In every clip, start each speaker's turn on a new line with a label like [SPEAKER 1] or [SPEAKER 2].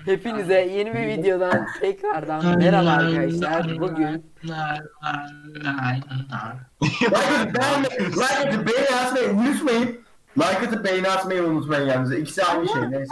[SPEAKER 1] Hepinize yeni bir videodan tekrardan merhaba arkadaşlar. Bugün
[SPEAKER 2] Like atıp beğeni atmayı unutmayın. Like atıp beğeni atmayı unutmayın yalnız. İkisi aynı şey neyse.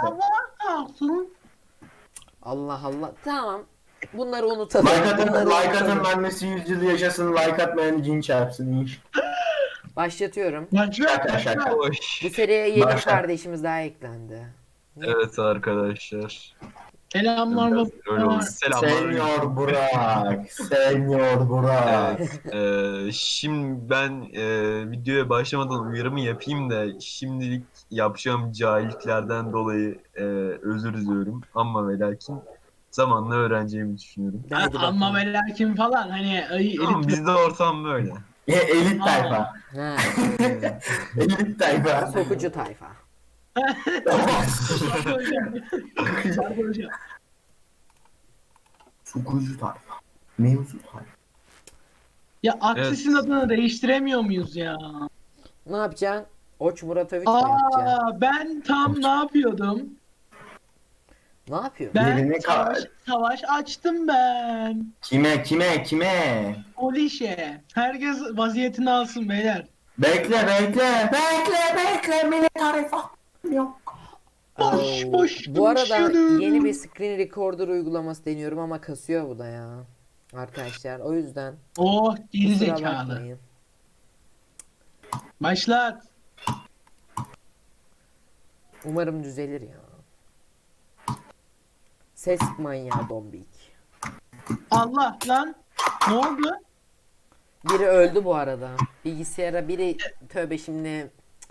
[SPEAKER 1] Allah Allah tamam. Bunları unutalım.
[SPEAKER 2] Like atın annesi 100 yıl yaşasın. Like atmayan cin çarpsın inş.
[SPEAKER 1] Başlatıyorum.
[SPEAKER 2] Şaka şaka.
[SPEAKER 1] Bu seriye yeni bir
[SPEAKER 2] Başla.
[SPEAKER 1] kardeşimiz daha eklendi.
[SPEAKER 3] Evet arkadaşlar.
[SPEAKER 4] Selamlar
[SPEAKER 3] Öyle oldu. Selamlar.
[SPEAKER 2] Senyor Burak. Senyor Burak.
[SPEAKER 3] Şimdi ben videoya başlamadan uyarımı yapayım da şimdilik yapacağım cahilliklerden dolayı özür diliyorum. Ama ve lakin zamanla öğreneceğimi düşünüyorum.
[SPEAKER 1] Hadi bakalım.
[SPEAKER 4] Ama ve lakin falan hani
[SPEAKER 3] Tamam,
[SPEAKER 4] elit
[SPEAKER 3] bizde ortam böyle.
[SPEAKER 2] Elit tayfa.
[SPEAKER 1] Ha,
[SPEAKER 2] Elit tayfa.
[SPEAKER 1] sokucu tayfa.
[SPEAKER 2] Sukucu tayfa. Mevzu tayfa.
[SPEAKER 4] Ya Aksis'in
[SPEAKER 3] Evet.
[SPEAKER 4] adını değiştiremiyor muyuz ya?
[SPEAKER 1] Ne yapacaksın? Oç Muratoviç mi yapacaksın?
[SPEAKER 4] Ben tam ne yapıyordum?
[SPEAKER 1] Ne yapıyor?
[SPEAKER 4] Ben
[SPEAKER 2] Yerini
[SPEAKER 4] savaş açtım ben.
[SPEAKER 2] Kime?
[SPEAKER 4] Polişe. Herkes vaziyetini alsın beyler.
[SPEAKER 2] Bekle. Millet tayfa. Yok.
[SPEAKER 4] Boş
[SPEAKER 1] Bu arada
[SPEAKER 4] konuşuyordum.
[SPEAKER 1] yeni bir screen recorder uygulaması deniyorum ama kasıyor bu da ya. Arkadaşlar o yüzden
[SPEAKER 4] Oh geri
[SPEAKER 1] kusura
[SPEAKER 4] zekalı.
[SPEAKER 1] bakmayın.
[SPEAKER 4] Başlat.
[SPEAKER 1] Umarım düzelir ya. Ses manyağı Dombik.
[SPEAKER 4] Allah lan. Ne oldu?
[SPEAKER 1] Biri öldü bu arada. Bilgisayara biri tövbe şimdi.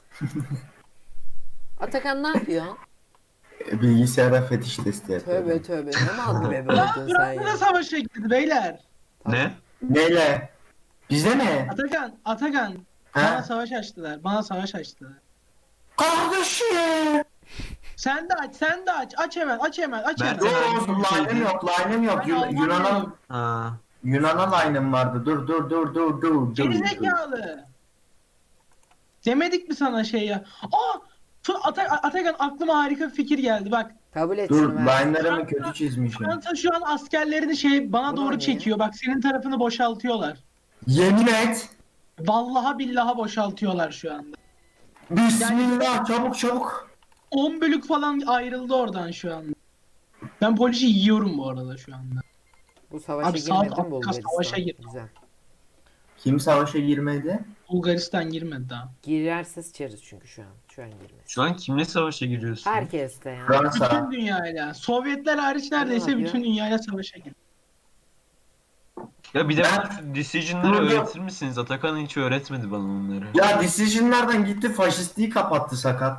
[SPEAKER 1] Atakan ne yapıyor?
[SPEAKER 2] Bilgisayara fetiş testi yapıyor.
[SPEAKER 1] Tövbe ne mal gibi öldün sen
[SPEAKER 4] Bu da
[SPEAKER 1] ya.
[SPEAKER 4] savaşa girdi beyler.
[SPEAKER 3] Ne?
[SPEAKER 2] Neyle? Bize mi?
[SPEAKER 4] Atakan.
[SPEAKER 2] Ha?
[SPEAKER 4] Bana savaş açtılar.
[SPEAKER 2] Kardeşim.
[SPEAKER 4] Sen de aç. Aç hemen.
[SPEAKER 3] Ben-
[SPEAKER 2] Yok, line'ım yok.
[SPEAKER 4] Ben Almanya'yım.
[SPEAKER 2] Yunan'a line'ım vardı. Dur.
[SPEAKER 4] Gerizekalı. Demedik mi sana şey ya? Atakan aklıma harika bir fikir geldi bak.
[SPEAKER 1] Kabul et
[SPEAKER 2] Dur,
[SPEAKER 1] şunu ver.
[SPEAKER 2] line'larımı kötü çizmişim.
[SPEAKER 4] Fransa şu an askerlerini bana
[SPEAKER 1] Bu
[SPEAKER 4] doğru
[SPEAKER 1] ne ya?
[SPEAKER 4] çekiyor. Bak senin tarafını boşaltıyorlar.
[SPEAKER 2] Yemin et.
[SPEAKER 4] Vallahi billahi boşaltıyorlar şu anda.
[SPEAKER 2] Bismillah, çabuk.
[SPEAKER 4] 10 bölük falan ayrıldı oradan şu anda. Ben polisi yiyorum bu arada şu anda.
[SPEAKER 1] Bu savaşa
[SPEAKER 4] Abi saat
[SPEAKER 1] girmedin mi
[SPEAKER 4] Afrika savaşa
[SPEAKER 1] Bulgaristan?
[SPEAKER 4] girdi.
[SPEAKER 1] Güzel.
[SPEAKER 2] Kim savaşa girmedi?
[SPEAKER 4] Bulgaristan girmedi daha.
[SPEAKER 1] Girerse sıçarız çünkü şu an. Şu an girmez.
[SPEAKER 3] Şu an kimle savaşa giriyorsun?
[SPEAKER 1] Herkes de ya.
[SPEAKER 4] Bütün
[SPEAKER 2] Fransa.
[SPEAKER 4] dünyayla. Sovyetler hariç neredeyse
[SPEAKER 1] yapıyor?
[SPEAKER 4] bütün dünyayla savaşa girdi.
[SPEAKER 3] Ya bir de
[SPEAKER 2] Ben-
[SPEAKER 3] bana decision'ları
[SPEAKER 2] Dur.
[SPEAKER 3] öğretir misiniz? Atakan hiç öğretmedi bana onları.
[SPEAKER 2] Ya Decision'lardan gitti faşistliği kapattı sakat.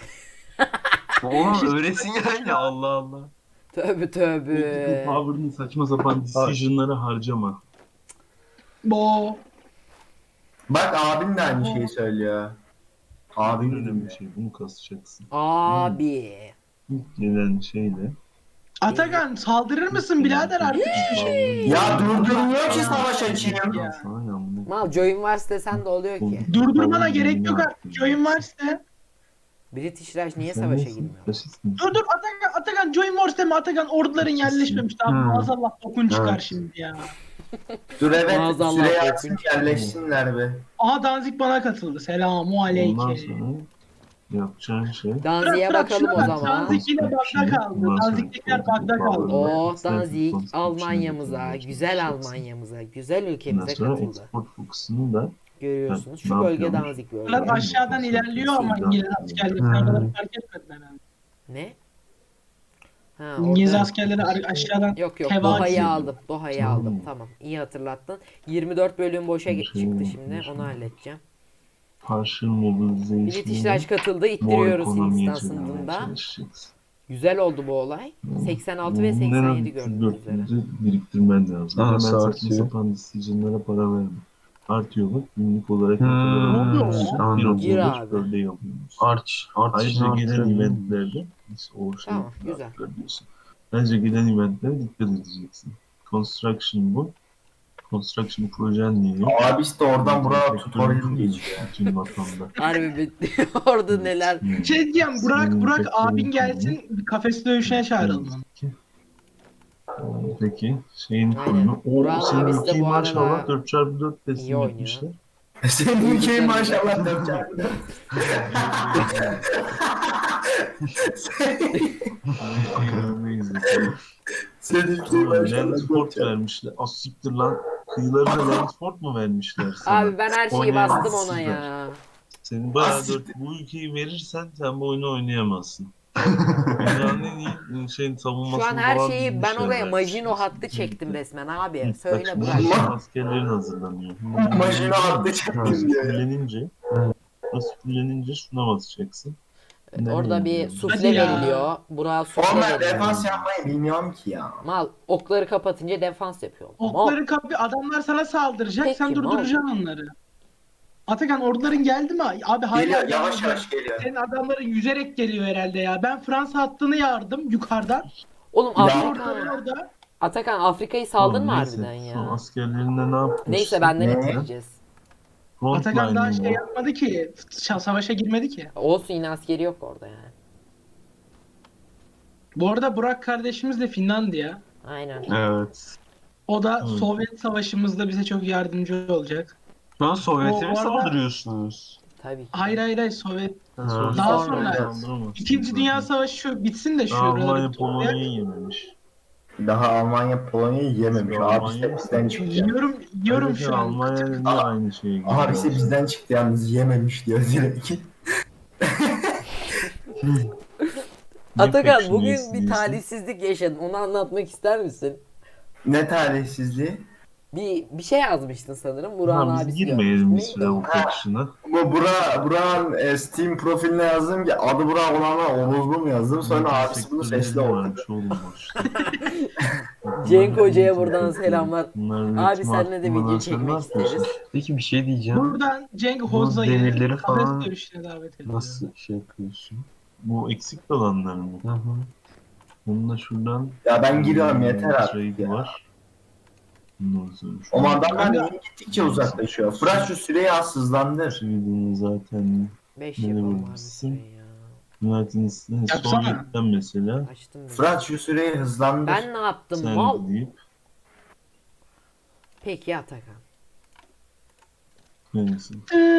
[SPEAKER 3] Oğlum öğretsin yani, Allah Allah.
[SPEAKER 1] Tövbe.
[SPEAKER 5] Power'ın saçma sapan decision'ları harcama.
[SPEAKER 4] Bo.
[SPEAKER 2] Bak abim de aynı şeyi söylüyor.
[SPEAKER 5] Bu
[SPEAKER 2] Abim
[SPEAKER 5] önemli şey. Bunu kasacaksın.
[SPEAKER 1] Abi.
[SPEAKER 5] İlk gelen şeyle.
[SPEAKER 4] Atakan saldırır mısın birader artık?
[SPEAKER 2] Ya durdurmuyor ki savaş açayım.
[SPEAKER 4] Ya.
[SPEAKER 5] Sana ya bunu.
[SPEAKER 1] Mal join wars desen de oluyor ki.
[SPEAKER 4] Durdurmana gerek yok artık. Join varsa.
[SPEAKER 1] British Raj niye savaşa girmiyor?
[SPEAKER 4] Dur Atakan Join Wars deme Atakan orduların yerleşmemiş. Abi maazallah bokun çıkar
[SPEAKER 2] Evet.
[SPEAKER 4] şimdi ya.
[SPEAKER 2] Dur evet
[SPEAKER 1] Maazallah
[SPEAKER 2] süreyi
[SPEAKER 1] korkunç.
[SPEAKER 2] açsın yerleşsinler be.
[SPEAKER 4] Aha Danzik bana katıldı. Selamu
[SPEAKER 5] Ondan
[SPEAKER 4] aleyke.
[SPEAKER 5] sonra yapacağın şey.
[SPEAKER 1] Danzig'e bakalım o zaman.
[SPEAKER 4] Danzik yine bagda kaldı. Danzik'tekiler bagda kaldı.
[SPEAKER 1] Oh Danzig Almanya'mıza, güzel Almanya'mıza, güzel
[SPEAKER 5] Ondan
[SPEAKER 1] ülkemize
[SPEAKER 5] sonra
[SPEAKER 1] katıldı.
[SPEAKER 5] export fokusunu da
[SPEAKER 1] Görüyorsunuz.
[SPEAKER 5] Ne
[SPEAKER 1] Şu bölge
[SPEAKER 5] yapıyormuş?
[SPEAKER 1] Danzig
[SPEAKER 4] Bunlar
[SPEAKER 1] bölge.
[SPEAKER 4] aşağıdan ilerliyor ama İngiliz askerleri sonradan fark etmediler. Yani.
[SPEAKER 1] Ne? Ha,
[SPEAKER 4] İngiliz
[SPEAKER 1] orada...
[SPEAKER 4] askerleri aşağıdan
[SPEAKER 1] Yok
[SPEAKER 4] Heva
[SPEAKER 1] Doha'yı
[SPEAKER 4] atıyor.
[SPEAKER 1] aldım. Doha'yı aldım. Tamam. İyi hatırlattın. 24 bölüm boşa çıktı şimdi. Onu halledeceğim.
[SPEAKER 5] partial mobilization.
[SPEAKER 1] British Raj katıldı. İttiriyoruz Hindistan sınırında. Güzel oldu bu olay. 86 ve 87 gördüğünüz üzere.
[SPEAKER 5] Biriktirmen lazım.
[SPEAKER 3] Aha,
[SPEAKER 5] Hemen
[SPEAKER 3] sağ
[SPEAKER 5] saçma
[SPEAKER 3] atıyor.
[SPEAKER 5] sapan decision'lara para verme. Artıyor bak günlük olarak ne
[SPEAKER 3] Hmm,
[SPEAKER 5] kadar alıyorsun?
[SPEAKER 3] anladım.
[SPEAKER 1] Gir
[SPEAKER 5] 1.35
[SPEAKER 1] abi.
[SPEAKER 5] per day alıyorsun.
[SPEAKER 3] Arç
[SPEAKER 5] Ayrıca gelen eventlerde o şey
[SPEAKER 1] Tamam, güzel.
[SPEAKER 5] diyorsun. Ayrıca gelen eventlere dikkat edeceksin. Construction bu. Construction projen diye.
[SPEAKER 2] Abi işte oradan buraya tutorial geçiyor.
[SPEAKER 5] Bütün vatanda.
[SPEAKER 1] Harbi bitti. Orada neler.
[SPEAKER 4] şey diyeceğim Burak abin gelsin kafes dövüşüne çağıralım onu.
[SPEAKER 5] Peki şeyin
[SPEAKER 1] Aynen.
[SPEAKER 5] konumu.
[SPEAKER 1] Burak'ın
[SPEAKER 5] O senin
[SPEAKER 1] abisi de
[SPEAKER 5] ülkeyi
[SPEAKER 1] bu arada
[SPEAKER 5] maşallah 4x4
[SPEAKER 1] iyi
[SPEAKER 5] teslim
[SPEAKER 1] oynuyor.
[SPEAKER 5] etmişler.
[SPEAKER 2] Senin ülkeyi maşallah 4
[SPEAKER 5] Şeylerini izledim.
[SPEAKER 2] Senin ülkeyi
[SPEAKER 5] Ama
[SPEAKER 2] maşallah
[SPEAKER 5] Landford vermişler. Az siktir lan. Kıyılarına Landford mu vermişler sana?
[SPEAKER 1] Abi ben her şeyi
[SPEAKER 5] Oynayan
[SPEAKER 1] bastım ona
[SPEAKER 5] sizler.
[SPEAKER 1] ya.
[SPEAKER 5] Senin bayağı
[SPEAKER 2] Az siktir.
[SPEAKER 5] bu ülkeyi verirsen sen bu oyunu oynayamazsın. Dünyanın en iyi şeyin
[SPEAKER 1] Şu an
[SPEAKER 5] savunmasını
[SPEAKER 1] her
[SPEAKER 5] falan
[SPEAKER 1] şeyi ben
[SPEAKER 5] bilmişler
[SPEAKER 1] oraya
[SPEAKER 5] belki.
[SPEAKER 1] Majino hattı çektim resmen abi.
[SPEAKER 5] Bak
[SPEAKER 1] Söyle
[SPEAKER 5] şimdi
[SPEAKER 1] Burak.
[SPEAKER 5] senin askerlerin hazırlanıyor.
[SPEAKER 2] Majino hattı
[SPEAKER 5] Burası
[SPEAKER 2] çektim diyor ya.
[SPEAKER 5] fullenince, burası fullenince şuna basacaksın. Nereye
[SPEAKER 1] Orada bir
[SPEAKER 5] gidiyorsun?
[SPEAKER 1] sufle
[SPEAKER 4] Hadi ya.
[SPEAKER 1] veriliyor. Burak'a sufle
[SPEAKER 2] Oğlum ben
[SPEAKER 1] veriliyor.
[SPEAKER 2] defans yapmayı bilmiyorum ki ya.
[SPEAKER 1] Mal okları kapatınca defans yapıyor.
[SPEAKER 4] Okları kapı adamlar sana saldıracak.
[SPEAKER 1] Peki,
[SPEAKER 4] sen durduracaksın onları. Atakan orduların geldi mi? Abi hala
[SPEAKER 2] Geliyor, yavaş
[SPEAKER 4] gelmedi.
[SPEAKER 2] yavaş geliyor.
[SPEAKER 4] Senin adamların yüzerek geliyor herhalde ya. Ben Fransa hattını yardım yukarıdan.
[SPEAKER 1] Oğlum
[SPEAKER 2] Ya.
[SPEAKER 4] Orduların
[SPEAKER 1] Afrika.
[SPEAKER 4] orada.
[SPEAKER 1] Atakan Afrika'yı saldın mı
[SPEAKER 5] Tamam, neyse.
[SPEAKER 1] harbiden
[SPEAKER 5] Son
[SPEAKER 1] ya?
[SPEAKER 5] askerlerinde ne yapmışsın?
[SPEAKER 1] Neyse benden
[SPEAKER 2] Ne?
[SPEAKER 1] bitireceğiz.
[SPEAKER 4] Atakan daha
[SPEAKER 5] Frontline'ın
[SPEAKER 4] şey
[SPEAKER 5] o.
[SPEAKER 4] yapmadı ki. Savaşa girmedi ki.
[SPEAKER 1] Olsun yine askeri yok orada yani.
[SPEAKER 4] Bu arada Burak kardeşimiz de Finlandiya.
[SPEAKER 1] Aynen.
[SPEAKER 3] Evet.
[SPEAKER 4] O da
[SPEAKER 5] Evet.
[SPEAKER 4] Sovyet savaşımızda bize çok yardımcı olacak.
[SPEAKER 3] Şu an Sovyet'e
[SPEAKER 4] O
[SPEAKER 3] mi
[SPEAKER 4] arada-
[SPEAKER 3] saldırıyorsunuz?
[SPEAKER 1] Tabii ki.
[SPEAKER 4] Hayır Sovyet.
[SPEAKER 5] Sen
[SPEAKER 3] Ha.
[SPEAKER 5] sonra
[SPEAKER 4] Daha
[SPEAKER 5] sonra
[SPEAKER 4] sonra
[SPEAKER 5] saldıramazsın
[SPEAKER 4] İkinci
[SPEAKER 5] zaten.
[SPEAKER 4] Dünya Savaşı şu bitsin de
[SPEAKER 5] Daha
[SPEAKER 4] şuraları
[SPEAKER 5] Almanya
[SPEAKER 4] bir toplayalım.
[SPEAKER 5] Polonya'yı yememiş.
[SPEAKER 2] Daha Almanya Polonya'yı yememiş.
[SPEAKER 5] Almanya
[SPEAKER 2] Abisi de
[SPEAKER 5] mı?
[SPEAKER 2] bizden çıktı.
[SPEAKER 4] Yiyorum
[SPEAKER 5] Ayrıca
[SPEAKER 4] şu an.
[SPEAKER 5] Almanya ile aynı şeye geliyor.
[SPEAKER 2] Abisi bizden çıktı yalnız yememiş diyor direkt.
[SPEAKER 5] Ne
[SPEAKER 1] Atakan
[SPEAKER 5] pek
[SPEAKER 1] bugün
[SPEAKER 5] şunu
[SPEAKER 1] bir
[SPEAKER 5] istiyorsun?
[SPEAKER 1] talihsizlik yaşadın. Onu anlatmak ister misin?
[SPEAKER 2] Ne talihsizliği?
[SPEAKER 1] Bir şey yazmıştın sanırım. Burak'ın
[SPEAKER 5] Tamam biz
[SPEAKER 1] abisi
[SPEAKER 5] girmeyelim bir
[SPEAKER 1] görmüş.
[SPEAKER 5] süre
[SPEAKER 1] Neydi
[SPEAKER 5] bu
[SPEAKER 1] o?
[SPEAKER 5] kapışına.
[SPEAKER 2] Bu Burak'ın Steam profiline yazdım ki adı Burak olanlar Orozlu mu yazdım sonra abisi bunu sesli okudu.
[SPEAKER 5] varmış oğlum boşta.
[SPEAKER 1] Cenk Hoca'ya buradan selamlar.
[SPEAKER 5] Bunlar
[SPEAKER 1] Abi seninle de video çekmek isteriz.
[SPEAKER 3] Peki bir şey diyeceğim.
[SPEAKER 4] Buradan Cenk
[SPEAKER 3] Bu
[SPEAKER 4] Hoza'yı
[SPEAKER 3] demirleri
[SPEAKER 4] kafes
[SPEAKER 3] falan
[SPEAKER 4] dövüşüne davet ediyorum.
[SPEAKER 3] nasıl şey yapıyorsun?
[SPEAKER 5] Bu eksik olanlar mı?
[SPEAKER 3] Hı hı.
[SPEAKER 5] Bununla şuradan
[SPEAKER 2] Ya ben giriyorum yeter artık
[SPEAKER 5] trade
[SPEAKER 2] ya.
[SPEAKER 5] var. Bundan sonra şu
[SPEAKER 2] O adamlar niye gittikçe uzaklaşıyor? Fırat şu süreyi az hızlandır.
[SPEAKER 5] trade'ini zaten
[SPEAKER 1] 5
[SPEAKER 5] Ne
[SPEAKER 1] yapalım abi
[SPEAKER 5] vurmuşsun?
[SPEAKER 1] süreyi ya.
[SPEAKER 5] United States
[SPEAKER 4] Yapsana.
[SPEAKER 5] Sovyet'ten mesela
[SPEAKER 1] Açtım ben.
[SPEAKER 2] Fırat şu süreyi hızlandır.
[SPEAKER 1] Ben ne yaptım
[SPEAKER 5] sen
[SPEAKER 1] mal?
[SPEAKER 5] deyip
[SPEAKER 1] Peki Atakan.
[SPEAKER 5] neyse.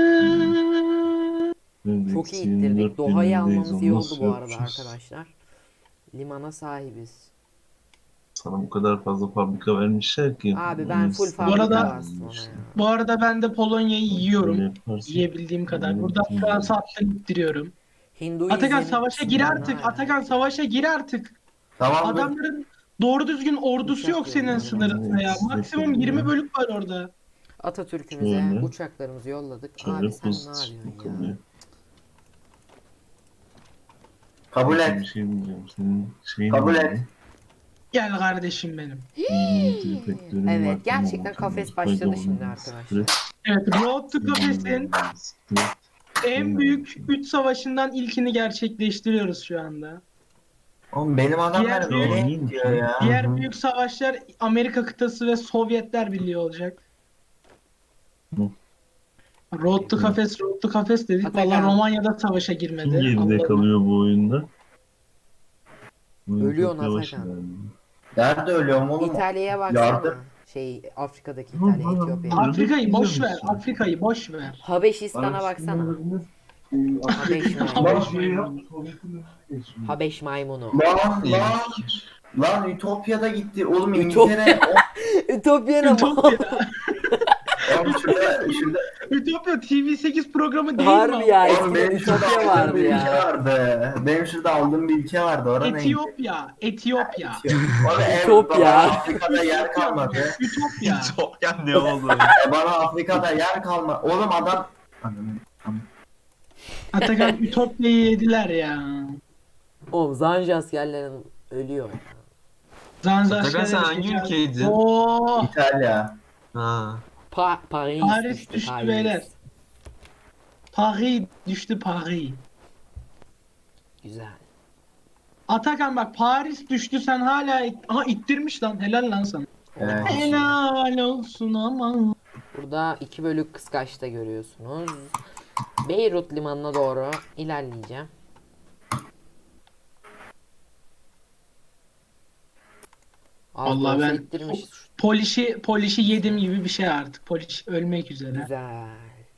[SPEAKER 1] Çok iyi ittirdik. Doha'yı almamız iyi oldu bu arada arkadaşlar. Limana sahibiz.
[SPEAKER 5] Sana bu kadar fazla fabrika vermişler ki.
[SPEAKER 1] Abi ben full
[SPEAKER 5] Üniversite-
[SPEAKER 1] fabrika
[SPEAKER 4] arada-
[SPEAKER 1] bastım ona ya.
[SPEAKER 4] Bu arada ben de Polonya'yı yiyorum.
[SPEAKER 5] Böyle yaparsın.
[SPEAKER 4] Yiyebildiğim kadar. Buradan Fransa hattını ittiriyorum.
[SPEAKER 1] Hinduizm.
[SPEAKER 4] Atakan savaşa gir artık. Atakan savaşa gir artık.
[SPEAKER 2] Tamam dur.
[SPEAKER 4] Adamların doğru düzgün ordusu
[SPEAKER 1] Uçak
[SPEAKER 4] yok senin
[SPEAKER 1] yolluyorum.
[SPEAKER 4] sınırında ya.
[SPEAKER 5] Evet,
[SPEAKER 4] Maksimum
[SPEAKER 5] evet.
[SPEAKER 4] 20 bölük var orada.
[SPEAKER 1] Atatürk'ümüze
[SPEAKER 5] Şöyle.
[SPEAKER 1] uçaklarımızı yolladık.
[SPEAKER 5] Şöyle
[SPEAKER 1] Abi sen ne
[SPEAKER 5] pozitif
[SPEAKER 1] yapıyorsun ya?
[SPEAKER 5] kalıyor.
[SPEAKER 2] Kabul
[SPEAKER 5] Bir
[SPEAKER 2] et.
[SPEAKER 5] şey diyeceğim. Senin şeyin
[SPEAKER 2] Kabul
[SPEAKER 5] var
[SPEAKER 2] et.
[SPEAKER 5] mı?
[SPEAKER 4] Gel kardeşim benim.
[SPEAKER 5] Dinin tripeklerin
[SPEAKER 1] Evet,
[SPEAKER 5] var,
[SPEAKER 1] gerçekten
[SPEAKER 5] tamam,
[SPEAKER 1] kafes
[SPEAKER 5] tamam.
[SPEAKER 1] başladı
[SPEAKER 5] Koydum
[SPEAKER 1] şimdi
[SPEAKER 5] onu,
[SPEAKER 1] arkadaşlar.
[SPEAKER 5] siktir et.
[SPEAKER 4] Evet, Road to Kafes'in
[SPEAKER 5] Siktir et.
[SPEAKER 4] en büyük 3 savaşından ilkini gerçekleştiriyoruz şu anda.
[SPEAKER 2] Oğlum benim adamlar
[SPEAKER 4] Diğer-
[SPEAKER 2] nereye gidiyor ya?
[SPEAKER 4] Diğer büyük savaşlar Amerika kıtası ve Sovyetler Birliği olacak.
[SPEAKER 5] Hı.
[SPEAKER 4] Road to Kafes, Road to Kafes dedik.
[SPEAKER 1] Atakan.
[SPEAKER 4] Vallahi Romanya'da savaşa
[SPEAKER 5] Kim
[SPEAKER 4] girmedi.
[SPEAKER 5] geride
[SPEAKER 4] Allah'ım.
[SPEAKER 5] kalıyor bu oyunda? Bu oyun
[SPEAKER 1] Ölüyorsun
[SPEAKER 5] çok yavaş
[SPEAKER 1] Atakan.
[SPEAKER 5] ilerliyor.
[SPEAKER 2] Nerede ölüyorum oğlum?
[SPEAKER 1] İtalya'ya baksana.
[SPEAKER 2] Yardım.
[SPEAKER 1] Şey Afrika'daki
[SPEAKER 5] Hı,
[SPEAKER 1] İtalya,
[SPEAKER 5] hı,
[SPEAKER 1] Etiyopya.
[SPEAKER 5] hı.
[SPEAKER 4] Afrika'yı boş
[SPEAKER 5] Biliyor
[SPEAKER 4] ver.
[SPEAKER 5] musun?
[SPEAKER 4] Afrika'yı boş ver.
[SPEAKER 1] Habeşistan'a baksana. Habeş maymunu. Habeş maymunu.
[SPEAKER 2] Lan
[SPEAKER 3] İyi
[SPEAKER 2] lan
[SPEAKER 3] fikir.
[SPEAKER 2] lan Ütopya'da gitti. Oğlum
[SPEAKER 1] Ütopya.
[SPEAKER 2] İngiltere.
[SPEAKER 1] Ütopya'na mı?
[SPEAKER 2] Oğlum şurada
[SPEAKER 4] Ütopya TV8 programı değil mi?
[SPEAKER 1] Harbi ya.
[SPEAKER 2] Oğlum
[SPEAKER 1] Eskiden
[SPEAKER 2] benim şurada
[SPEAKER 1] Ütopya
[SPEAKER 2] aldığım
[SPEAKER 1] vardı
[SPEAKER 2] bir ülke
[SPEAKER 1] ya.
[SPEAKER 2] vardı. Benim şurada aldığım bir ülke vardı. Orada neydi?
[SPEAKER 4] Etiyopya. Etiyopya.
[SPEAKER 1] Ütopya.
[SPEAKER 2] Bana Afrika'da yer kalmadı.
[SPEAKER 4] Ütopya.
[SPEAKER 3] Çok ne oldu?
[SPEAKER 2] Bana Afrika'da yer kalmadı. Oğlum adam...
[SPEAKER 4] Atakan Ütopya'yı yediler ya.
[SPEAKER 1] Oğlum Zanji askerlerin ölüyor ya.
[SPEAKER 3] Atakan sen hangi ülkeydin?
[SPEAKER 4] Oo,
[SPEAKER 2] İtalya.
[SPEAKER 3] Ha.
[SPEAKER 1] Paris,
[SPEAKER 4] Paris düştü
[SPEAKER 1] Paris.
[SPEAKER 4] beyler. Paris düştü Paris.
[SPEAKER 1] Güzel.
[SPEAKER 4] Atakan bak Paris düştü sen hala aha ittirmiş lan helal lan sana.
[SPEAKER 2] Evet.
[SPEAKER 4] Helal olsun ama.
[SPEAKER 1] Burada 2 bölük kıskaçta görüyorsunuz. Beyrut limanına doğru ilerleyeceğim. Az da
[SPEAKER 4] Vallahi
[SPEAKER 1] olsa
[SPEAKER 4] ben
[SPEAKER 1] ittirmişiz.
[SPEAKER 4] Poliş'i yedim gibi bir şey artık. Poliş ölmek üzere.
[SPEAKER 1] Güzel.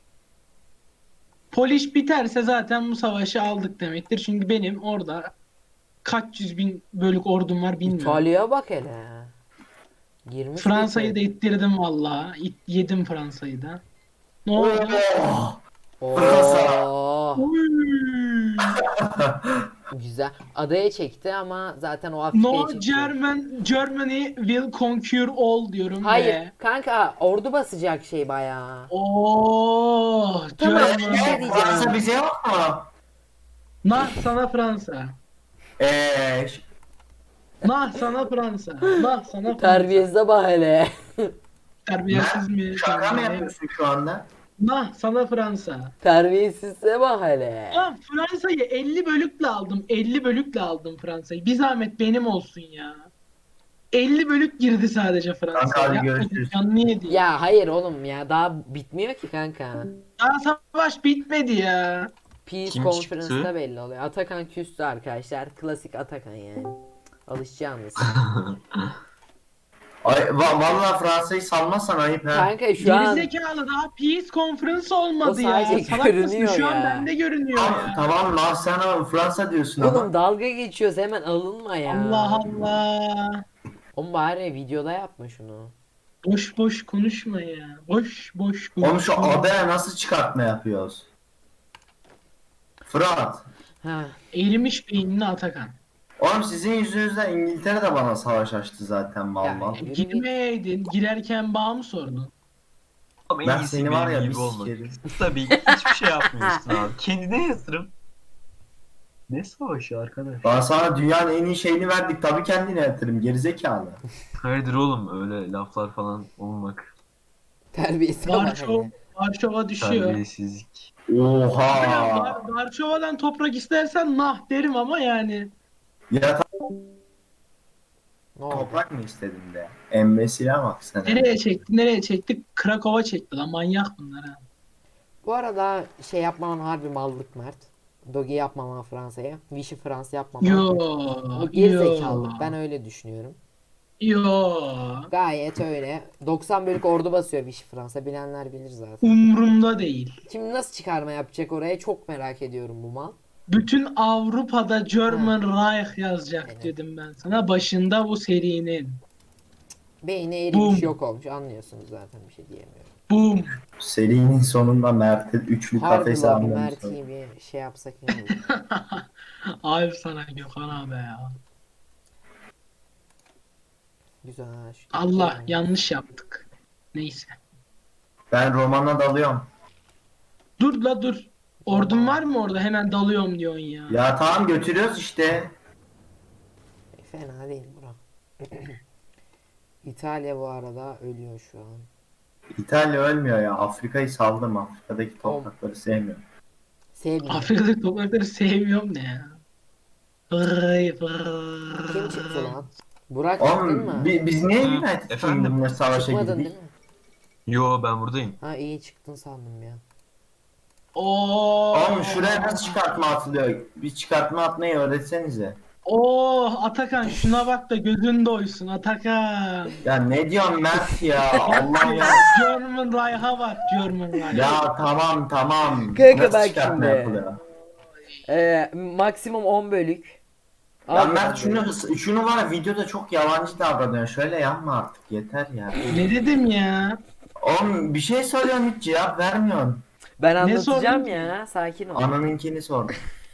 [SPEAKER 4] Poliş biterse zaten bu savaşı aldık demektir. Çünkü benim orada kaç yüz bin bölük ordum var bilmiyorum.
[SPEAKER 1] İtalya'ya bak hele. Girmiş
[SPEAKER 4] Fransa'yı da
[SPEAKER 1] bitir.
[SPEAKER 4] ittirdim vallahi. Yedim Fransa'yı da. Ne oldu?
[SPEAKER 2] Oh! Fransa.
[SPEAKER 1] Oo,
[SPEAKER 4] Uy.
[SPEAKER 1] güzel. Adaya çekti ama zaten o Afrika'ya
[SPEAKER 4] No
[SPEAKER 1] çekti.
[SPEAKER 4] Germany will conquer all diyorum
[SPEAKER 1] Hayır
[SPEAKER 4] ve
[SPEAKER 1] kanka ordu basacak şey bayağı.
[SPEAKER 4] oh
[SPEAKER 1] Tamam,
[SPEAKER 4] Germany.
[SPEAKER 1] bir şey diyeceğim.
[SPEAKER 2] Fransa bize yok mu?
[SPEAKER 4] Nah sana Fransa.
[SPEAKER 2] Eee
[SPEAKER 4] Nah sana Fransa. Nah sana Fransa.
[SPEAKER 1] Terbiyesize bak hele.
[SPEAKER 4] Terbiyesiz mi?
[SPEAKER 2] şaka mı yapıyorsun şu anda?
[SPEAKER 4] Nah sana Fransa.
[SPEAKER 1] Terbiyesizse bak hele.
[SPEAKER 4] Lan Fransa'yı 50 bölükle aldım. 50 bölükle aldım Fransa'yı. Bir zahmet benim olsun ya. 50 bölük girdi sadece
[SPEAKER 2] Kanka,
[SPEAKER 4] Fransa'ya.
[SPEAKER 2] hadi
[SPEAKER 4] Yapma,
[SPEAKER 2] görüşürüz.
[SPEAKER 4] canını yedi.
[SPEAKER 1] Ya hayır oğlum ya daha bitmiyor ki kanka.
[SPEAKER 4] Daha savaş bitmedi ya.
[SPEAKER 1] Peace
[SPEAKER 3] Kim
[SPEAKER 1] Conference'da
[SPEAKER 3] çıktı?
[SPEAKER 1] belli oluyor. Atakan küstü arkadaşlar. Klasik Atakan yani. Alışacağınız.
[SPEAKER 2] Ay, vallahi Fransa'yı salmazsan ayıp ha.
[SPEAKER 1] Kanka şu an
[SPEAKER 4] Gerizekalı daha Peace Conference olmadı
[SPEAKER 1] O
[SPEAKER 4] ya.
[SPEAKER 1] sadece
[SPEAKER 4] Salak mısın?
[SPEAKER 1] görünüyor
[SPEAKER 4] Şu an
[SPEAKER 1] ya.
[SPEAKER 4] bende görünüyor
[SPEAKER 2] Tamam,
[SPEAKER 4] ya.
[SPEAKER 2] tamam lan sen Fransa diyorsun
[SPEAKER 1] oğlum
[SPEAKER 2] ama.
[SPEAKER 1] dalga geçiyoruz hemen alınma ya.
[SPEAKER 4] Allah Allah.
[SPEAKER 1] Oğlum bari videoda yapma şunu.
[SPEAKER 4] Boş boş konuşma ya. Boş boş
[SPEAKER 2] Oğlum şu
[SPEAKER 4] konuşma.
[SPEAKER 2] adaya nasıl çıkartma yapıyoruz? Fırat.
[SPEAKER 1] Ha.
[SPEAKER 4] Erimiş beynini Atakan.
[SPEAKER 2] Oğlum sizin yüzünüzden İngiltere de bana savaş açtı zaten vallahi.
[SPEAKER 1] Yürü git.
[SPEAKER 4] Girmeyeydin. Girerken bağ mı sordun?
[SPEAKER 3] Ama en
[SPEAKER 2] Ben
[SPEAKER 3] iyisi
[SPEAKER 2] seni var
[SPEAKER 3] benim
[SPEAKER 2] ya
[SPEAKER 3] gibi
[SPEAKER 2] bir
[SPEAKER 3] olmak.
[SPEAKER 2] sikerim.
[SPEAKER 3] Tabii ki hiçbir şey yapmıyorsun abi. Kendine yatırım. Ne savaşı arkadaş?
[SPEAKER 2] Ben sana dünyanın en iyi şeyini verdik tabii kendine yatırım gerizekalı.
[SPEAKER 3] Hayırdır oğlum öyle laflar falan olmak.
[SPEAKER 1] Terbiyesize bak
[SPEAKER 4] Varşova,
[SPEAKER 1] hele.
[SPEAKER 4] Varşova düşüyor.
[SPEAKER 3] Terbiyesizlik.
[SPEAKER 2] Oha.
[SPEAKER 4] Varşova'dan toprak istersen nah derim ama yani.
[SPEAKER 2] Ya
[SPEAKER 1] Ne oldu?
[SPEAKER 2] toprak mı istedin de? Embesile bak sen.
[SPEAKER 4] Nereye çekti? Nereye çekti? Krakow'a çekti lan manyak bunlar ha.
[SPEAKER 1] Bu arada şey yapmaman harbi mallık Mert. Doge yapmaman Fransa'ya. Vichy Fransa yapmaman.
[SPEAKER 4] Yo.
[SPEAKER 1] Bu gerizekalılık. Ben öyle düşünüyorum.
[SPEAKER 4] Yo.
[SPEAKER 1] Gayet öyle. 90 bölük ordu basıyor Vichy Fransa. Bilenler bilir zaten.
[SPEAKER 4] Umrumda değil.
[SPEAKER 1] Şimdi nasıl çıkarma yapacak oraya çok merak ediyorum bu mal.
[SPEAKER 4] Bütün Avrupa'da German Reich yazacak
[SPEAKER 1] Aynen.
[SPEAKER 4] dedim ben sana başında bu serinin.
[SPEAKER 1] Beyni erimiş
[SPEAKER 4] Boom.
[SPEAKER 1] yok olmuş anlıyorsunuz zaten bir şey diyemiyorum.
[SPEAKER 4] Boom.
[SPEAKER 2] Serinin sonunda Mert'e üçlü
[SPEAKER 1] Harbi
[SPEAKER 2] kafese
[SPEAKER 1] lan bu
[SPEAKER 2] anlamışlar.
[SPEAKER 1] Mert'i bir şey yapsak iyi olur.
[SPEAKER 4] Ayıp sana Gökhan abi ya.
[SPEAKER 1] Güzel ha. Şu
[SPEAKER 4] Allah
[SPEAKER 1] yani.
[SPEAKER 4] yanlış yaptık. Neyse.
[SPEAKER 2] Ben romana dalıyorum.
[SPEAKER 4] Dur la dur. Ordun var mı orada? Hemen dalıyorum diyorsun ya.
[SPEAKER 2] Ya tamam götürüyoruz işte.
[SPEAKER 1] Fena değil bura. İtalya bu arada ölüyor şu an.
[SPEAKER 2] İtalya ölmüyor ya. Afrika'yı saldım. Afrika'daki toprakları sevmiyorum.
[SPEAKER 1] Sevmiyorum.
[SPEAKER 4] Afrika'daki toprakları sevmiyorum ne ya. Vırrıy vırrıy.
[SPEAKER 1] Kim çıktı lan? Burak çıktın
[SPEAKER 2] Oğlum
[SPEAKER 1] mı?
[SPEAKER 2] biz niye
[SPEAKER 3] Hı,
[SPEAKER 2] United
[SPEAKER 3] efendim?
[SPEAKER 2] Kingdom'la savaşa
[SPEAKER 1] Çıkmadın
[SPEAKER 2] girdik?
[SPEAKER 1] değil mi?
[SPEAKER 3] Yo ben buradayım.
[SPEAKER 1] Ha iyi çıktın sandım ya.
[SPEAKER 4] Oo.
[SPEAKER 2] Oğlum şuraya nasıl çıkartma atılıyor? Bir çıkartma atmayı öğretsenize.
[SPEAKER 4] Oh Atakan şuna bak da gözün doysun Atakan.
[SPEAKER 2] Ya ne diyorsun Mert ya? Allah ya.
[SPEAKER 4] German Reich'a bak German Reich.
[SPEAKER 2] Ya tamam tamam.
[SPEAKER 1] Kanka
[SPEAKER 2] Nasıl
[SPEAKER 1] bak
[SPEAKER 2] çıkartma
[SPEAKER 1] şimdi.
[SPEAKER 2] yapılıyor?
[SPEAKER 1] Maksimum 10 bölük.
[SPEAKER 2] Ya
[SPEAKER 1] Al
[SPEAKER 2] Mert
[SPEAKER 1] bakalım.
[SPEAKER 2] şunu var ya videoda çok yalancı davranıyor. Şöyle yapma artık yeter ya.
[SPEAKER 4] Ne dedim ya?
[SPEAKER 2] Oğlum bir şey soruyorsun hiç cevap vermiyorsun.
[SPEAKER 1] Ben
[SPEAKER 4] Ne
[SPEAKER 1] anlatacağım
[SPEAKER 4] sordun?
[SPEAKER 1] ya. Sakin ol.
[SPEAKER 2] Ananınkini sor.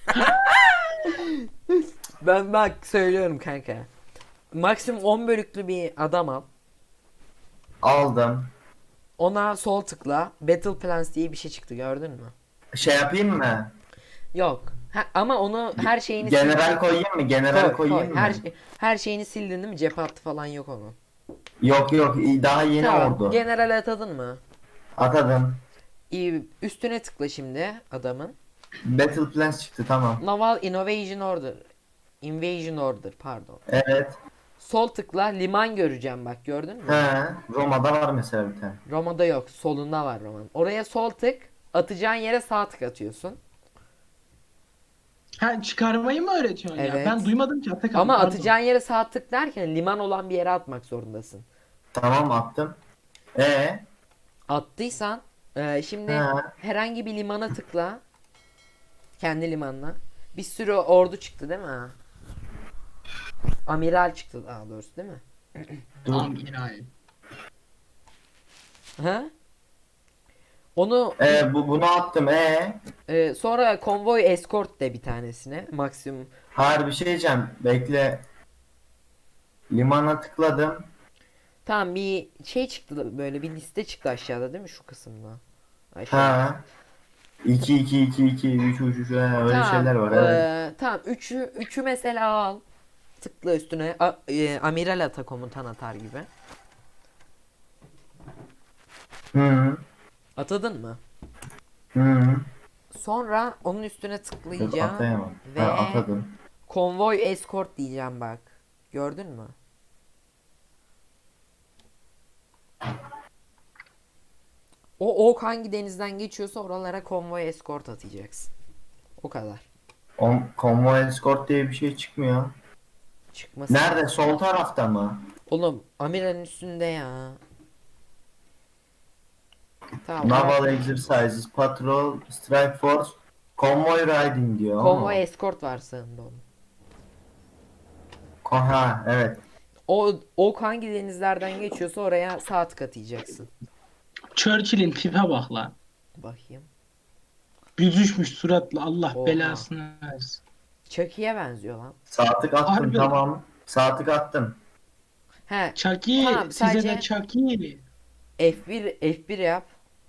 [SPEAKER 1] Ben bak söylüyorum kanka. Maksimum 10 bölüklü bir adam al.
[SPEAKER 2] Aldım.
[SPEAKER 1] Ona sol tıkla. Battle Plans diye bir şey çıktı gördün mü?
[SPEAKER 2] Şey yapayım mı?
[SPEAKER 1] Yok. Ama onu her şeyini
[SPEAKER 2] General koyayım mı? General koyayım mı?
[SPEAKER 1] Her şeyini sildin değil mi? Cephe hattı falan yok onun.
[SPEAKER 2] Yok yok daha yeni
[SPEAKER 1] Tamam.
[SPEAKER 2] oldu.
[SPEAKER 1] General atadın mı?
[SPEAKER 2] Atadım.
[SPEAKER 1] Üstüne tıkla şimdi adamın.
[SPEAKER 2] Battle Plans çıktı tamam.
[SPEAKER 1] Naval Invasion Order. Invasion Order pardon.
[SPEAKER 2] Evet.
[SPEAKER 1] Sol tıkla liman göreceğim bak gördün mü?
[SPEAKER 2] He. Roma'da var mesela bir tane.
[SPEAKER 1] Roma'da yok. Solunda var Roma'nın. Oraya sol tık. Atacağın yere sağ tık atıyorsun.
[SPEAKER 4] Ha, çıkarmayı mı öğretiyorsun ya?
[SPEAKER 1] Evet.
[SPEAKER 4] Ben duymadım ki Atakan.
[SPEAKER 1] Ama
[SPEAKER 4] pardon.
[SPEAKER 1] atacağın yere sağ tık derken liman olan bir yere atmak zorundasın.
[SPEAKER 2] Tamam attım.
[SPEAKER 1] Attıysan şimdi
[SPEAKER 2] Ha.
[SPEAKER 1] herhangi bir limana tıkla. Kendi limanına. Bir sürü ordu çıktı değil mi? Amiral çıktı daha doğrusu değil mi?
[SPEAKER 2] Dur.
[SPEAKER 4] Amiral.
[SPEAKER 1] Ha? Onu
[SPEAKER 2] Bunu attım.
[SPEAKER 1] sonra konvoy escort de bir tanesine maksimum.
[SPEAKER 2] Hayır bir şey diyeceğim. Bekle. Limana tıkladım.
[SPEAKER 1] Tamam bir şey çıktı böyle bir liste çıktı aşağıda değil mi şu kısımda? Aşağıda.
[SPEAKER 2] Ha. 2 2 2 2 3 3 3 öyle
[SPEAKER 1] Tamam,
[SPEAKER 2] şeyler var. Evet.
[SPEAKER 1] tamam üçü mesela al. Tıkla üstüne amiral ata komutan atar gibi.
[SPEAKER 2] Hı.
[SPEAKER 1] Atadın mı?
[SPEAKER 2] Hı.
[SPEAKER 1] Sonra onun üstüne
[SPEAKER 2] Dur,
[SPEAKER 1] tıklayacağım
[SPEAKER 2] atayamam.
[SPEAKER 1] ve
[SPEAKER 2] Ha, atadım.
[SPEAKER 1] konvoy escort diyeceğim bak. Gördün mü? O ok hangi denizden geçiyorsa oralara konvoy escort atacaksın. O kadar.
[SPEAKER 2] Convoy escort diye bir şey çıkmıyor.
[SPEAKER 1] Çıkmasın.
[SPEAKER 2] Nerede? Sol tarafta mı?
[SPEAKER 1] Oğlum amiralin üstünde ya. Tamam.
[SPEAKER 2] Naval exercises, patrol, strike force, convoy riding diyor.
[SPEAKER 1] Konvoy escort var sağında onun.
[SPEAKER 2] Ha, evet.
[SPEAKER 1] O ok hangi denizlerden geçiyorsa oraya sağ tık atacaksın.
[SPEAKER 4] Churchill'in tipe bak lan.
[SPEAKER 1] Bakayım.
[SPEAKER 4] Büzüşmüş suratla, Allah
[SPEAKER 1] Oha.
[SPEAKER 4] belasını versin.
[SPEAKER 1] Chucky'ye benziyor lan.
[SPEAKER 2] Sağ tık attım,
[SPEAKER 4] Harbi.
[SPEAKER 2] tamam. Sağ tık attım.
[SPEAKER 1] He.
[SPEAKER 4] Chucky,
[SPEAKER 1] Tamam,
[SPEAKER 4] size
[SPEAKER 1] sadece-
[SPEAKER 4] de Chucky.
[SPEAKER 1] F1 yap.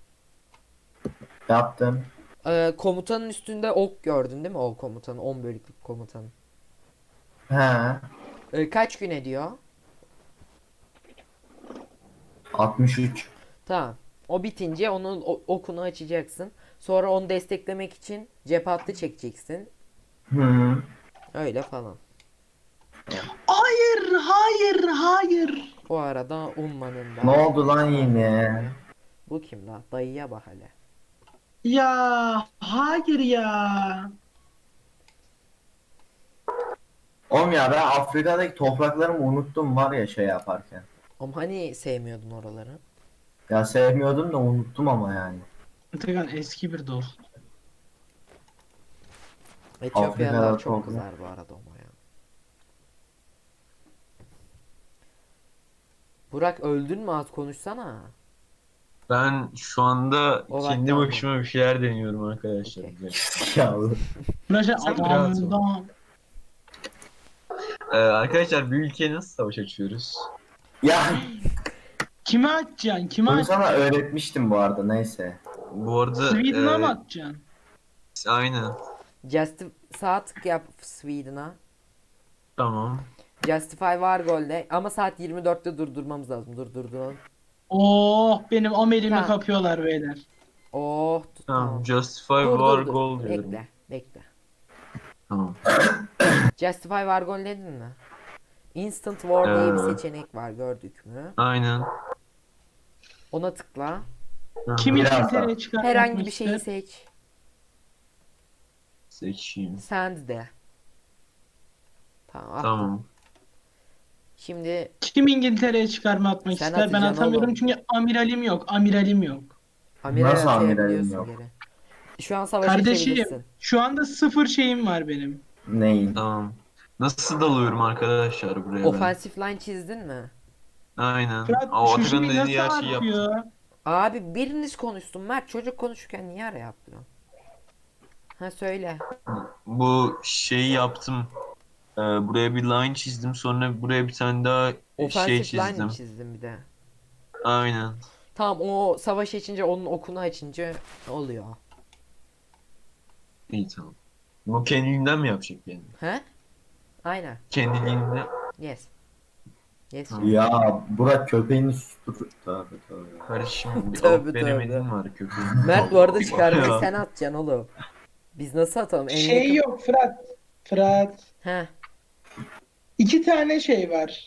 [SPEAKER 2] Yaptım.
[SPEAKER 1] Komutanın üstünde ok gördün değil mi? O komutanı 10 bölüklük komutanı.
[SPEAKER 2] He.
[SPEAKER 1] Kaç gün ediyor?
[SPEAKER 2] 63.
[SPEAKER 1] Tamam. O bitince onun okunu açacaksın. Sonra onu desteklemek için cep hattı çekeceksin.
[SPEAKER 2] Hı.
[SPEAKER 1] Öyle falan.
[SPEAKER 4] Hayır, hayır, hayır.
[SPEAKER 1] O arada ummanın da.
[SPEAKER 2] Ne oldu lan yine?
[SPEAKER 1] Bu kim lan? Dayıya bak hele.
[SPEAKER 4] Ya, hayır ya.
[SPEAKER 2] Oğlum ya ben Afrika'daki topraklarımı unuttum var ya şey yaparken.
[SPEAKER 1] Ama hani sevmiyordun oraları?
[SPEAKER 2] Ya sevmiyordum da unuttum ama yani.
[SPEAKER 4] Atakan eski bir dost.
[SPEAKER 1] Etiyopyalılar
[SPEAKER 2] Afrika'da
[SPEAKER 1] çok
[SPEAKER 2] toprak.
[SPEAKER 1] kızar bu arada ama ya. Burak öldün mü az konuşsana.
[SPEAKER 3] Ben şu anda
[SPEAKER 1] O
[SPEAKER 3] kendi
[SPEAKER 1] vakti
[SPEAKER 3] başıma bir şeyler deniyorum arkadaşlar.
[SPEAKER 1] Okey.
[SPEAKER 2] Ya.
[SPEAKER 4] Burası
[SPEAKER 3] Sen rahat ol.
[SPEAKER 4] adamdan.
[SPEAKER 3] Arkadaşlar bir ülkeye nasıl savaş açıyoruz?
[SPEAKER 2] Ya
[SPEAKER 4] Kime atacaksın? Kime
[SPEAKER 2] bunu
[SPEAKER 4] atacaksın?
[SPEAKER 2] sana öğretmiştim bu arada neyse.
[SPEAKER 3] Bu arada
[SPEAKER 4] Sweden'a mı atacaksın?
[SPEAKER 3] aynen.
[SPEAKER 1] Sağ tık yap Sweden'a.
[SPEAKER 3] Tamam.
[SPEAKER 1] Justify var golde ama saat 24'te durdurmamız lazım. Durduralım.
[SPEAKER 4] Oh, benim amelimi
[SPEAKER 1] Tamam.
[SPEAKER 4] kapıyorlar beyler.
[SPEAKER 1] Oh
[SPEAKER 3] Tamam.
[SPEAKER 1] tamam.
[SPEAKER 3] Justify
[SPEAKER 1] Dur
[SPEAKER 3] war
[SPEAKER 1] dur dur.
[SPEAKER 3] goal diyorum.
[SPEAKER 1] Bekle.
[SPEAKER 3] Tamam.
[SPEAKER 1] Justify var gol dedin mi? Instant War diye bir
[SPEAKER 3] Evet.
[SPEAKER 1] seçenek var gördük mü?
[SPEAKER 3] Aynen.
[SPEAKER 1] Ona tıkla.
[SPEAKER 3] Hı.
[SPEAKER 4] Kim
[SPEAKER 2] Biraz
[SPEAKER 4] İngiltere'ye çıkartmak
[SPEAKER 1] Herhangi bir şeyi
[SPEAKER 4] ister?
[SPEAKER 1] seç.
[SPEAKER 3] Seçeyim.
[SPEAKER 1] Send de. Tamam. attım.
[SPEAKER 3] Tamam.
[SPEAKER 1] Şimdi
[SPEAKER 4] Kim İngiltere'ye çıkarma atmak
[SPEAKER 1] Sen
[SPEAKER 4] ister? Ben
[SPEAKER 1] atacaksın
[SPEAKER 4] atamıyorum
[SPEAKER 1] oğlum.
[SPEAKER 4] çünkü amiralim yok. Amiralim yok.
[SPEAKER 1] amiral
[SPEAKER 2] Nasıl amiralim
[SPEAKER 1] atayabiliyorsun
[SPEAKER 2] yok?
[SPEAKER 1] geri. Şu an savaşa
[SPEAKER 4] Kardeşim,
[SPEAKER 1] çevirirsin.
[SPEAKER 4] şu anda 0 şeyim var benim.
[SPEAKER 2] Neyin?
[SPEAKER 3] Tamam. Nasıl dalıyorum arkadaşlar buraya ben?
[SPEAKER 1] Offensive line çizdin mi?
[SPEAKER 3] Aynen.
[SPEAKER 4] Fırat
[SPEAKER 3] O
[SPEAKER 4] şu
[SPEAKER 3] Atakan'ın
[SPEAKER 4] şeyi
[SPEAKER 3] dediği
[SPEAKER 4] nasıl
[SPEAKER 3] her şeyi yaptım.
[SPEAKER 4] atıyor?
[SPEAKER 1] Abi biriniz konuşsun. Mert çocuk konuşurken niye ara yapıyorsun? Ha söyle.
[SPEAKER 3] Bu şeyi yaptım. Buraya bir line çizdim. Sonra buraya bir tane daha
[SPEAKER 1] Offensive
[SPEAKER 3] şey
[SPEAKER 1] line
[SPEAKER 3] çizdim.
[SPEAKER 1] mi çizdin bir de?
[SPEAKER 3] Aynen.
[SPEAKER 1] Tamam o savaş açınca onun okunu açınca oluyor.
[SPEAKER 3] İyi tamam. Bu kendiliğinden mi yapacak yani?
[SPEAKER 1] He? Aynen.
[SPEAKER 3] Kendiliğinden.
[SPEAKER 1] Yes. Yes.
[SPEAKER 3] Ha.
[SPEAKER 2] Ya Burak köpeğini sustur. Tövbe tövbe.
[SPEAKER 3] Kardeşim bir
[SPEAKER 1] Tövbe,
[SPEAKER 3] alıp veremedim
[SPEAKER 1] tövbe.
[SPEAKER 3] var köpeğin.
[SPEAKER 1] Mert bu arada
[SPEAKER 3] Ya.
[SPEAKER 1] çıkarmayı sen atacaksın oğlum. Biz nasıl atalım? En
[SPEAKER 4] Şey
[SPEAKER 1] yakın-
[SPEAKER 4] yok Fırat. Fırat.
[SPEAKER 1] He.
[SPEAKER 4] 2 tane şey var.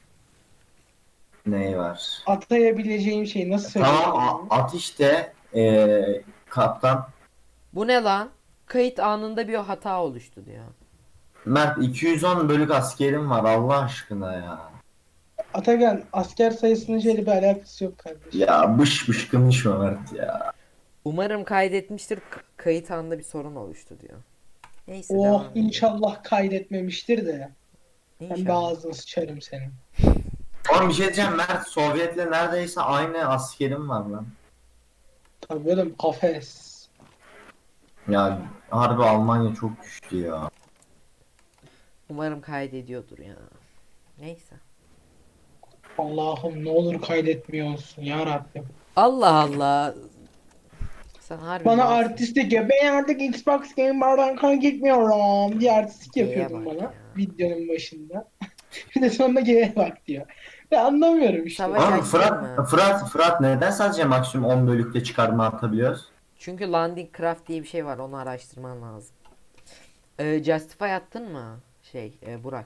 [SPEAKER 2] Neyi var?
[SPEAKER 4] Atayabileceğim şey nasıl söyleyeyim?
[SPEAKER 2] Tamam at işte kaptan.
[SPEAKER 1] Bu ne lan? kayıt anında bir hata oluştu diyor.
[SPEAKER 2] Mert 210 bölük askerim var Allah aşkına ya.
[SPEAKER 4] Atakan asker sayısının şeyle bir alakası yok kardeşim.
[SPEAKER 2] Ya bış konuşma Mert ya.
[SPEAKER 1] Umarım kaydetmiştir. Kayıt anında bir sorun oluştu diyor. Neyse
[SPEAKER 4] Oh
[SPEAKER 1] devam edelim.
[SPEAKER 4] inşallah kaydetmemiştir de. Ben bir
[SPEAKER 1] İnşallah.
[SPEAKER 4] ağzını sıçarım senin.
[SPEAKER 2] Oğlum bir şey diyeceğim Mert, Sovyet'le neredeyse aynı askerim var lan.
[SPEAKER 4] Tabii oğlum kafes.
[SPEAKER 2] Ya harbi Almanya çok güçlü ya.
[SPEAKER 1] Umarım kaydediyordur ya. Neyse.
[SPEAKER 4] Allah'ım ne olur kaydetmiyor olsun ya Rabbim.
[SPEAKER 1] Allah Allah. Sen harbi
[SPEAKER 4] Bana
[SPEAKER 1] malsın.
[SPEAKER 4] artistik ya. Ben artık Xbox Game Bar'dan kaydetmiyorum diye artistik
[SPEAKER 1] G'ye
[SPEAKER 4] yapıyordun
[SPEAKER 1] bak
[SPEAKER 4] bana
[SPEAKER 1] ya.
[SPEAKER 4] videonun başında. Bir de sonunda G'ye bak diyor. Ben anlamıyorum işte.
[SPEAKER 1] Savaş
[SPEAKER 2] Oğlum
[SPEAKER 1] açtın mı?
[SPEAKER 2] Fırat neden sadece maksimum 10 bölükte çıkarma atabiliyoruz?
[SPEAKER 1] Çünkü landing craft diye bir şey var. Onu araştırman lazım. Justify attın mı? Burak.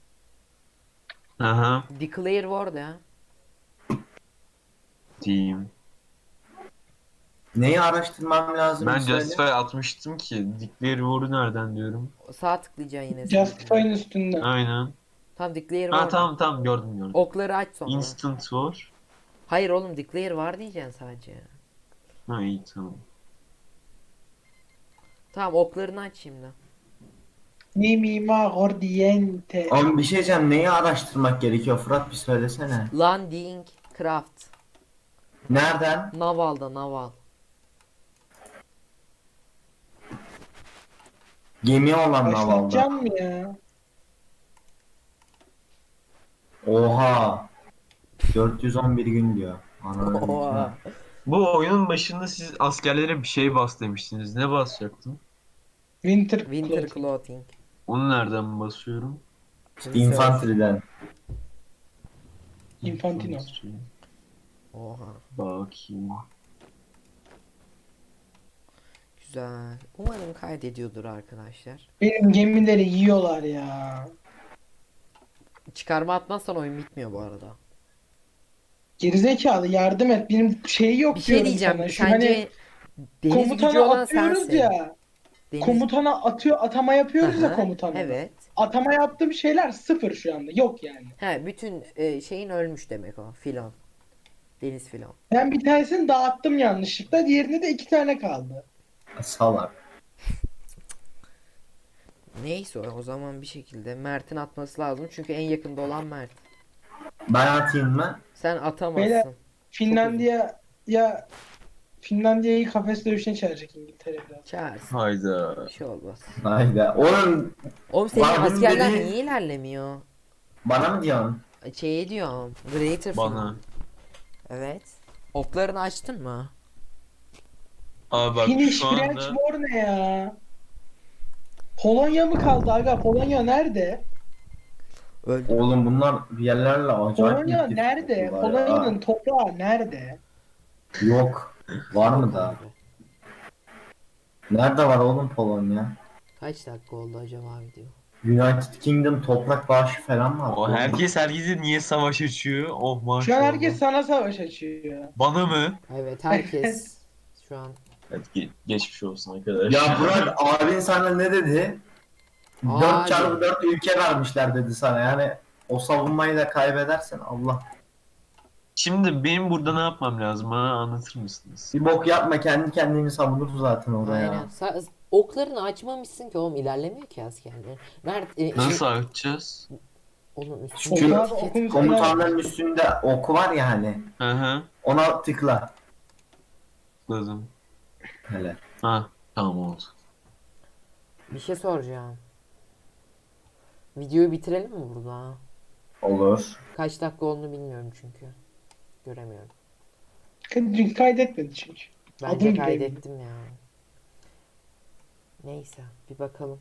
[SPEAKER 3] Aha.
[SPEAKER 1] Declare war ya.
[SPEAKER 3] Diyeyim.
[SPEAKER 2] Neyi araştırmam lazım?
[SPEAKER 3] Ben
[SPEAKER 2] bir söyle.
[SPEAKER 3] Justify atmıştım ki. Declare War'u nereden diyorum.
[SPEAKER 1] Sağ tıklayacaksın yine.
[SPEAKER 4] Justify'ın üstünde.
[SPEAKER 3] Aynen.
[SPEAKER 1] Tam declare
[SPEAKER 3] Ha
[SPEAKER 1] war.
[SPEAKER 3] tamam gördüm.
[SPEAKER 1] Okları aç sonra.
[SPEAKER 3] Instant War.
[SPEAKER 1] Hayır oğlum declare var diyeceksin sadece.
[SPEAKER 3] Ha iyi tamam.
[SPEAKER 1] Tamam oklarını aç şimdi.
[SPEAKER 4] Mimima Gordiente.
[SPEAKER 2] Oğlum bir şey diyeceğim, neyi araştırmak gerekiyor Fırat, bir söylesene.
[SPEAKER 1] Landing craft.
[SPEAKER 2] Nereden?
[SPEAKER 1] Naval'da naval.
[SPEAKER 2] Gemi olan navalda.
[SPEAKER 4] Başlatacağım mı ya?
[SPEAKER 2] Oha. 411 gün diyor. Ananı
[SPEAKER 1] Oha.
[SPEAKER 3] Bu oyunun başında siz askerlere bir şey bas demiştiniz. Ne basacaktım?
[SPEAKER 4] Winter,
[SPEAKER 1] Winter
[SPEAKER 4] Clothing.
[SPEAKER 1] clothing.
[SPEAKER 3] Onu nereden basıyorum?
[SPEAKER 2] infanteriden.
[SPEAKER 4] Infantino.
[SPEAKER 1] Oha.
[SPEAKER 3] Bakayım.
[SPEAKER 1] Güzel. Umarım kaydediyordur arkadaşlar.
[SPEAKER 4] Benim gemileri yiyorlar ya.
[SPEAKER 1] Çıkarma atmazsan oyun bitmiyor bu arada.
[SPEAKER 4] Gerizekalı yardım et. Benim şeyi yok
[SPEAKER 1] Bir şey
[SPEAKER 4] diyorum
[SPEAKER 1] diyeceğim.
[SPEAKER 4] sana. Şu
[SPEAKER 1] Sence
[SPEAKER 4] hani
[SPEAKER 1] deniz gücü
[SPEAKER 4] komutana
[SPEAKER 1] olan
[SPEAKER 4] atıyoruz
[SPEAKER 1] sensin.
[SPEAKER 4] ya.
[SPEAKER 1] Deniz...
[SPEAKER 4] Komutana atama yapıyoruz ya
[SPEAKER 1] Aha,
[SPEAKER 4] komutana.
[SPEAKER 1] Evet.
[SPEAKER 4] Atama yaptığım şeyler sıfır şu anda. Yok yani.
[SPEAKER 1] He bütün şeyin ölmüş demek o. Filon. Deniz filon.
[SPEAKER 4] Ben bir tanesini dağıttım yanlışlıkla. Diğerinde de 2 tane kaldı.
[SPEAKER 2] Salak.
[SPEAKER 1] Neyse o zaman bir şekilde Mert'in atması lazım. Çünkü en yakında olan Mert.
[SPEAKER 2] Ben atayım mı?
[SPEAKER 1] Sen atamazsın.
[SPEAKER 4] Beyler, Finlandiya'yı kafes dövüşüne çağıracak İngiltere biraz.
[SPEAKER 1] Çağırsın.
[SPEAKER 3] Hayda.
[SPEAKER 1] Bir şey olmaz.
[SPEAKER 2] Hayda. Oğlum
[SPEAKER 1] Oğlum senin
[SPEAKER 2] Var, bunun
[SPEAKER 1] askerler
[SPEAKER 2] dediği-
[SPEAKER 1] niye ilerlemiyor?
[SPEAKER 2] bana mı diyorsun?
[SPEAKER 1] Şey diyorum. Greater
[SPEAKER 3] Bana.
[SPEAKER 1] Finland. Evet. Oklarını açtın mı?
[SPEAKER 3] Abi bak
[SPEAKER 4] Finish
[SPEAKER 3] şu
[SPEAKER 4] French
[SPEAKER 3] anda
[SPEAKER 4] War ne ya? Polonya mı kaldı aga? Polonya nerede?
[SPEAKER 1] Öldü.
[SPEAKER 2] Oğlum bunlar bir yerlerle acayip
[SPEAKER 4] Polonya
[SPEAKER 2] müthiş
[SPEAKER 4] nerede?
[SPEAKER 2] tutuyorlar ya.
[SPEAKER 4] Polonya'nın toprağı nerede?
[SPEAKER 2] Yok. Var mı da? Nerede var oğlum Polonya?
[SPEAKER 1] Kaç dakika oldu acaba video?
[SPEAKER 2] United Kingdom toprak bağışı falan var.
[SPEAKER 3] o herkese niye savaş açıyor? Oh maşallah.
[SPEAKER 4] Şu an herkes sana savaş açıyor.
[SPEAKER 3] Bana mı?
[SPEAKER 1] Evet herkes şu an.
[SPEAKER 3] Evet geçmiş olsun arkadaş.
[SPEAKER 2] Ya Burak abin sana ne dedi?
[SPEAKER 1] Abi.
[SPEAKER 2] 4x4 ülke vermişler dedi sana, yani o savunmayı da kaybedersen Allah.
[SPEAKER 3] Şimdi benim burada ne yapmam lazım? Bana anlatır mısınız?
[SPEAKER 2] Bir bok yapma, kendi kendini savunur zaten oraya.
[SPEAKER 1] Aynen. Oklarını açmamışsın ki oğlum ilerlemiyor ki askerler. Mert
[SPEAKER 3] Nasıl açacağız?
[SPEAKER 1] oğlum üstüne
[SPEAKER 2] Çünkü
[SPEAKER 4] Onlar
[SPEAKER 1] etiket-
[SPEAKER 4] okumuş-
[SPEAKER 2] Komutanların üstünde ok var ya hani.
[SPEAKER 3] Hı hı.
[SPEAKER 2] Ona tıkla.
[SPEAKER 3] Tıkladım.
[SPEAKER 2] Hele.
[SPEAKER 3] Ha tamam oldu.
[SPEAKER 1] Bir şey soracağım. Videoyu bitirelim mi burada?
[SPEAKER 2] Olur.
[SPEAKER 1] Kaç dakika olduğunu bilmiyorum çünkü. Göremiyorum.
[SPEAKER 4] Dün kaydetmedi çünkü.
[SPEAKER 1] Bence
[SPEAKER 4] Adım gibi
[SPEAKER 1] kaydettim ya. Neyse bir bakalım.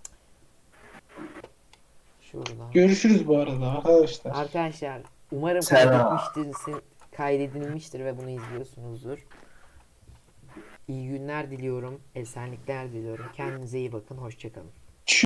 [SPEAKER 1] Şurada.
[SPEAKER 4] Görüşürüz bu arada arkadaşlar.
[SPEAKER 1] Arkadaşlar umarım
[SPEAKER 2] Selam.
[SPEAKER 1] kaydedilmiştir ve bunu izliyorsunuzdur. İyi günler diliyorum. Esenlikler diliyorum. Kendinize iyi bakın. Hoşçakalın.